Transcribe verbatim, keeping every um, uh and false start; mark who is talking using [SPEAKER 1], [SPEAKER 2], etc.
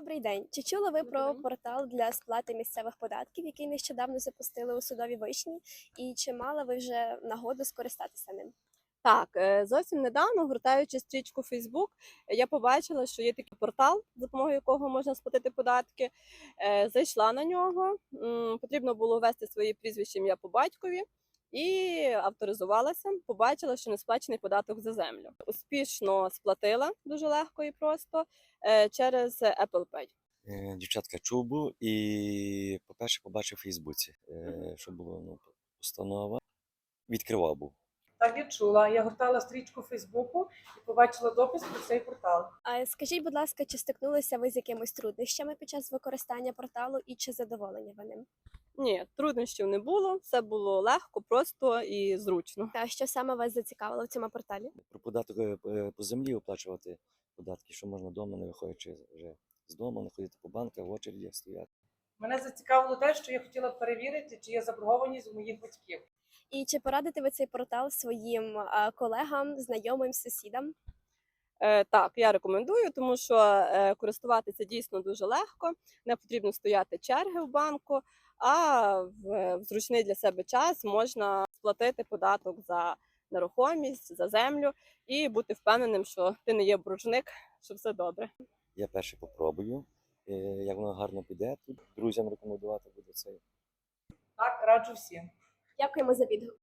[SPEAKER 1] Добрий день. Чи чули ви
[SPEAKER 2] Добрий
[SPEAKER 1] про
[SPEAKER 2] день.
[SPEAKER 1] портал для сплати місцевих податків, який нещодавно запустили у Судовій Вишні? І чи мали ви вже нагоду скористатися ним?
[SPEAKER 2] Так, е, зовсім недавно, гортаючи стрічку Facebook, я побачила, що є такий портал, за допомогою якого можна сплатити податки. Е, Зайшла на нього, м, потрібно було ввести свої прізвище, ім'я по батькові і авторизувалася. Побачила, що не сплачений податок за землю. Успішно сплатила дуже легко і просто е, через Apple Pay.
[SPEAKER 3] Е, Дівчатка, чув був і, по-перше, побачив у Фейсбуці, е, що було ну, постанова. Відкривав був.
[SPEAKER 4] Так, я чула. Я гортала стрічку Фейсбуку і побачила допис про цей портал.
[SPEAKER 1] А скажіть, будь ласка, чи стикнулися ви з якимись труднощами під час використання порталу і чи задоволені ви ним?
[SPEAKER 2] Ні, труднощів не було, все було легко, просто і зручно.
[SPEAKER 1] А що саме вас зацікавило в цьому порталі?
[SPEAKER 3] Про податок е, е, по землі оплачувати податки, що можна вдома, не виходячи вже з дому, не ходити по банках, в очереді стояти.
[SPEAKER 4] Мене зацікавило те, що я хотіла перевірити, чи є заборгованість у моїх батьків.
[SPEAKER 1] І чи порадите ви цей портал своїм а, колегам, знайомим, сусідам?
[SPEAKER 2] Е, Так, я рекомендую, тому що е, користуватися дійсно дуже легко, не потрібно стояти черги в банку, а в, в зручний для себе час можна сплатити податок за нерухомість, за землю і бути впевненим, що ти не є боржник, що все добре.
[SPEAKER 3] Я перший попробую, е, як воно гарно піде, тут друзям рекомендувати буде цей.
[SPEAKER 4] Так, раджу всім.
[SPEAKER 1] Дякуємо за відгук.